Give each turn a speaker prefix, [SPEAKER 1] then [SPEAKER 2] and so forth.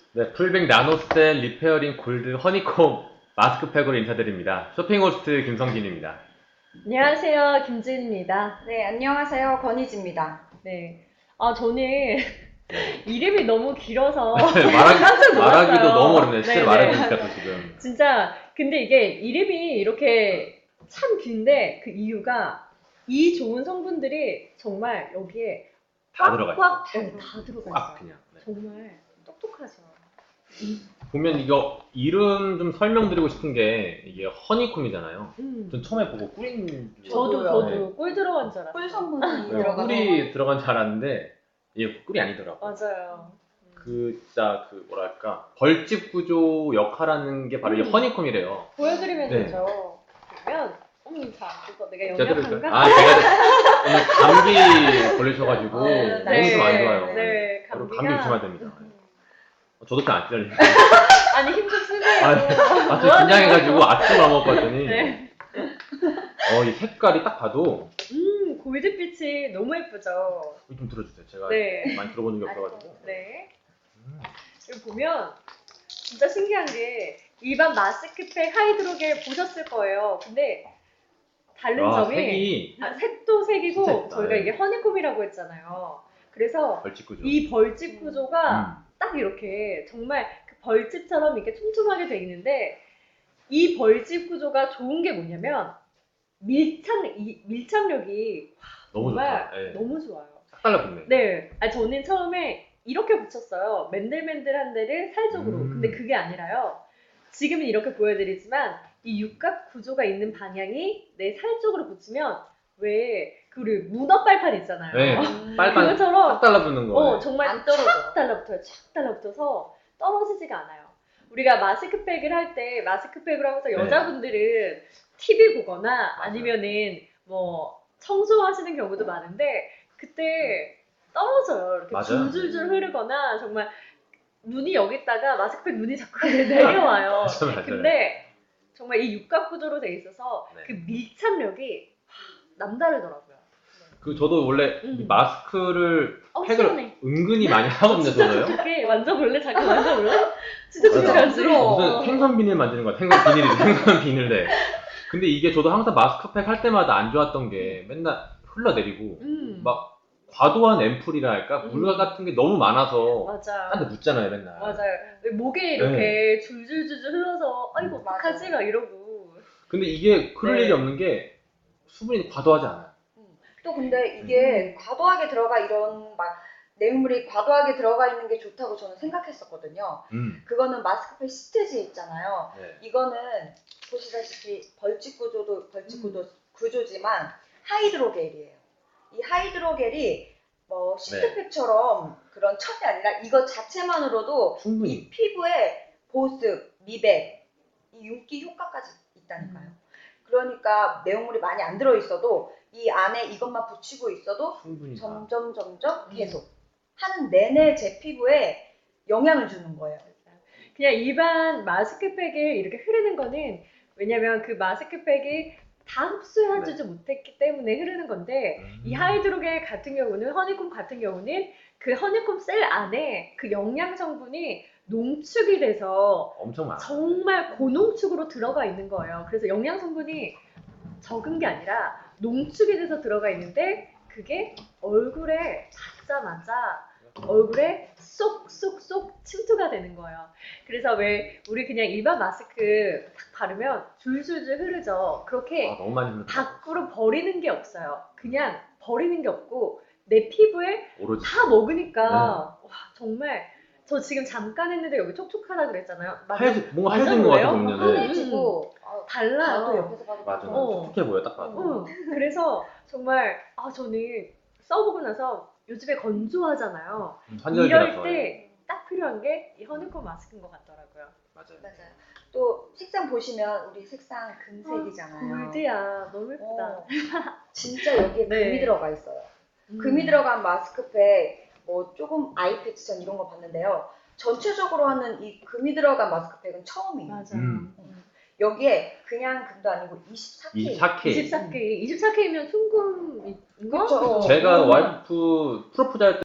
[SPEAKER 1] 네, 풀백 나노셀 리페어링 골드 허니콤 마스크팩으로 인사드립니다. 쇼핑 호스트 김성진입니다.
[SPEAKER 2] 안녕하세요, 김지은입니다.
[SPEAKER 3] 네, 안녕하세요. 권희지입니다.
[SPEAKER 2] 네. 저는 이름이 너무 길어서
[SPEAKER 1] 네,
[SPEAKER 2] 깜짝 놀랐어요.
[SPEAKER 1] 말하기도 너무 어렵네요. 실제로
[SPEAKER 2] 네네.
[SPEAKER 1] 말해보니까 또 지금.
[SPEAKER 2] 진짜, 근데 이게 이름이 이렇게 참 긴데 그 이유가 이 좋은 성분들이 정말 여기에
[SPEAKER 1] 다 들어가 있어요.
[SPEAKER 2] 꽉, 다 들어가
[SPEAKER 1] 꽉
[SPEAKER 2] 있어요.
[SPEAKER 1] 그냥. 네.
[SPEAKER 2] 정말 똑똑하죠.
[SPEAKER 1] 보면 이거 이름 좀 설명드리고 싶은 게 이게 허니콤이잖아요. 전 처음에 보고 꿀인 줄
[SPEAKER 2] 저도
[SPEAKER 1] 네.
[SPEAKER 2] 꿀 들어간 줄 알았어요.
[SPEAKER 3] 꿀 성분이
[SPEAKER 1] 네,
[SPEAKER 3] 들어가서
[SPEAKER 1] 꿀이 들어간 줄 알았는데 이게 꿀이 아니더라고요.
[SPEAKER 2] 맞아요.
[SPEAKER 1] 그 진짜 그 뭐랄까 벌집 구조 역할하는 게 바로 이 허니콤이래요.
[SPEAKER 2] 보여드리면
[SPEAKER 1] 네.
[SPEAKER 2] 되죠. 그러면, 자, 이거 내가
[SPEAKER 1] 제가 들을까요?
[SPEAKER 2] 영양한가?
[SPEAKER 1] 아, 제가 오늘 감기 걸리셔가지고
[SPEAKER 3] 네.
[SPEAKER 1] 몸이 좀 안 좋아요.
[SPEAKER 2] 네,
[SPEAKER 1] 바로
[SPEAKER 2] 감기가.
[SPEAKER 1] 감기 조심해야 됩니다. 저도 안 찔려요.
[SPEAKER 2] 아니, 힘 좀 쓰세요.
[SPEAKER 1] 저 긴장해가지고 아침 안 먹었더니
[SPEAKER 2] 네.
[SPEAKER 1] 이 색깔이 딱 봐도
[SPEAKER 2] 골드빛이 너무 예쁘죠?
[SPEAKER 1] 좀 들어주세요. 제가
[SPEAKER 2] 네.
[SPEAKER 1] 많이 들어본 적이 없어가지고.
[SPEAKER 2] 네. 여기 보면 진짜 신기한 게 일반 마스크팩 하이드로겔 보셨을 거예요. 근데 다른
[SPEAKER 1] 와,
[SPEAKER 2] 점이
[SPEAKER 1] 색이
[SPEAKER 2] 색도 색이고
[SPEAKER 1] 진짜 예쁘다.
[SPEAKER 2] 저희가
[SPEAKER 1] 네.
[SPEAKER 2] 이게 허니콤이라고 했잖아요. 그래서
[SPEAKER 1] 벌집 구조.
[SPEAKER 2] 이 벌집 구조가
[SPEAKER 1] 음.
[SPEAKER 2] 딱 이렇게 정말 그 벌집처럼 이렇게 촘촘하게 돼 있는데 이 벌집 구조가 좋은 게 뭐냐면 밀착력이
[SPEAKER 1] 너무
[SPEAKER 2] 정말
[SPEAKER 1] 좋다. 네.
[SPEAKER 2] 너무 좋아요.
[SPEAKER 1] 딱 달라붙네.
[SPEAKER 2] 네, 저는 처음에 이렇게 붙였어요. 맨들맨들한 데를 살 쪽으로. 근데 그게 아니라요. 지금은 이렇게 보여드리지만 이 육각 구조가 있는 방향이 내 살 쪽으로 붙이면 왜 그 문어 빨판 있잖아요.
[SPEAKER 1] 네. 빨판
[SPEAKER 2] 그것처럼
[SPEAKER 1] 딱 달라붙는 거.
[SPEAKER 2] 정말
[SPEAKER 3] 안 떨어져.
[SPEAKER 2] 착 달라붙어요. 착 달라붙어서 떨어지지가 않아요. 우리가 마스크팩을 할 때 마스크팩을 하면서 여자분들은 TV 보거나
[SPEAKER 1] 맞아요.
[SPEAKER 2] 아니면은 뭐 청소하시는 경우도 많은데 그때 떨어져요. 이렇게
[SPEAKER 1] 맞아요.
[SPEAKER 2] 줄줄줄 흐르거나 정말 눈이 여기 있다가 마스크팩 눈이 자꾸 내려와요.
[SPEAKER 1] 맞아요.
[SPEAKER 2] 근데 정말 이 육각 구조로 돼 있어서
[SPEAKER 1] 네.
[SPEAKER 2] 그 밀착력이 남다르더라고요.
[SPEAKER 1] 저도 원래 이 마스크를 팩을
[SPEAKER 2] 시원해.
[SPEAKER 1] 은근히 많이 하거든요, 저도요.
[SPEAKER 2] 이렇게 만져볼래? 잠깐 만져볼래? 진짜
[SPEAKER 1] 맞아.
[SPEAKER 2] 신기하지?
[SPEAKER 1] 무슨 생선 비닐 만드는 것 같아. 생선 비닐이 생선 비닐래. 근데 이게 저도 항상 마스크팩 할 때마다 안 좋았던 게 맨날 흘러내리고 막 과도한 앰플이라 할까? 물 같은 게 너무 많아서
[SPEAKER 2] 맞아.
[SPEAKER 1] 딴 데 묻잖아요, 맨날.
[SPEAKER 2] 맞아요. 왜 목에 이렇게 줄줄줄줄 흘러서 아이고 어떡하지? 막 이러고.
[SPEAKER 1] 근데 이게 그럴
[SPEAKER 2] 네.
[SPEAKER 1] 일이 없는 게 수분이 과도하지 않아요.
[SPEAKER 3] 또 근데 이게 과도하게 들어가 이런 막 내용물이 과도하게 들어가 있는 게 좋다고 저는 생각했었거든요. 그거는 마스크팩 시트지에 있잖아요.
[SPEAKER 1] 네.
[SPEAKER 3] 이거는 보시다시피 벌집 구조지만 하이드로겔이에요. 이 하이드로겔이 뭐 시트팩처럼 그런 첨이 아니라 이거 자체만으로도
[SPEAKER 1] 충분히.
[SPEAKER 3] 이 피부에 보습, 미백, 이 윤기 효과까지 있다니까요. 그러니까 내용물이 많이 안 들어있어도 이 안에 이것만 붙이고 있어도
[SPEAKER 1] 충분히.
[SPEAKER 3] 점점 계속 하는 내내 제 피부에 영향을 주는 거예요.
[SPEAKER 2] 그냥 일반 마스크팩에 이렇게 흐르는 거는 왜냐면 그 마스크팩이 다 흡수해주지 못했기 때문에 흐르는 건데 이 하이드로겔 같은 경우는 허니콤 같은 경우는 그 허니콤 셀 안에 그 영양 성분이 농축이 돼서
[SPEAKER 1] 엄청 많아요.
[SPEAKER 2] 정말 고농축으로 들어가 있는 거예요. 그래서 영양 성분이 적은 게 아니라 농축이 돼서 들어가 있는데 그게 얼굴에 닿자마자 얼굴에 쏙쏙쏙 침투가 되는 거예요. 그래서 왜 우리 그냥 일반 마스크 딱 바르면 줄줄줄 흐르죠. 그렇게
[SPEAKER 1] 너무 많이 흐르다.
[SPEAKER 2] 밖으로 버리는 게 없어요. 그냥 버리는 게 없고 내 피부에
[SPEAKER 1] 오로지.
[SPEAKER 2] 다 먹으니까 와, 정말 저 지금 잠깐 했는데 여기 촉촉하다 그랬잖아요.
[SPEAKER 1] 뭔가 하얘진 것 같아,
[SPEAKER 2] 맞아요?
[SPEAKER 1] 보면.
[SPEAKER 3] 하얘지고
[SPEAKER 2] 달라요.
[SPEAKER 3] 나도 옆에서 봐도
[SPEAKER 1] 맞아.
[SPEAKER 2] 어.
[SPEAKER 1] 촉촉해 보여, 딱 봐도.
[SPEAKER 2] 그래서 정말 저는 써보고 나서 요즘에 건조하잖아요.
[SPEAKER 1] 환절기라서.
[SPEAKER 2] 이럴 때 딱 필요한 게 이 허니콤 마스크인 것 같더라고요.
[SPEAKER 1] 맞아요.
[SPEAKER 3] 맞아요. 또 색상 보시면 우리 색상 금색이잖아요.
[SPEAKER 2] 골드야, 너무 예쁘다.
[SPEAKER 3] 진짜 여기에
[SPEAKER 2] 네.
[SPEAKER 3] 금이 들어가 있어요. 금이 들어간 마스크팩, 뭐 조금 아이 패치전 이런 거 봤는데요. 전체적으로 하는 이 금이 들어간 마스크팩은 처음이에요.
[SPEAKER 2] 맞아요.
[SPEAKER 3] 여기에 그냥 금도 아니고 24K.
[SPEAKER 1] 24K.
[SPEAKER 2] 24K. 24K면 순금인 거?
[SPEAKER 3] 그쵸.
[SPEAKER 1] 제가 와이프 프로포즈 할 때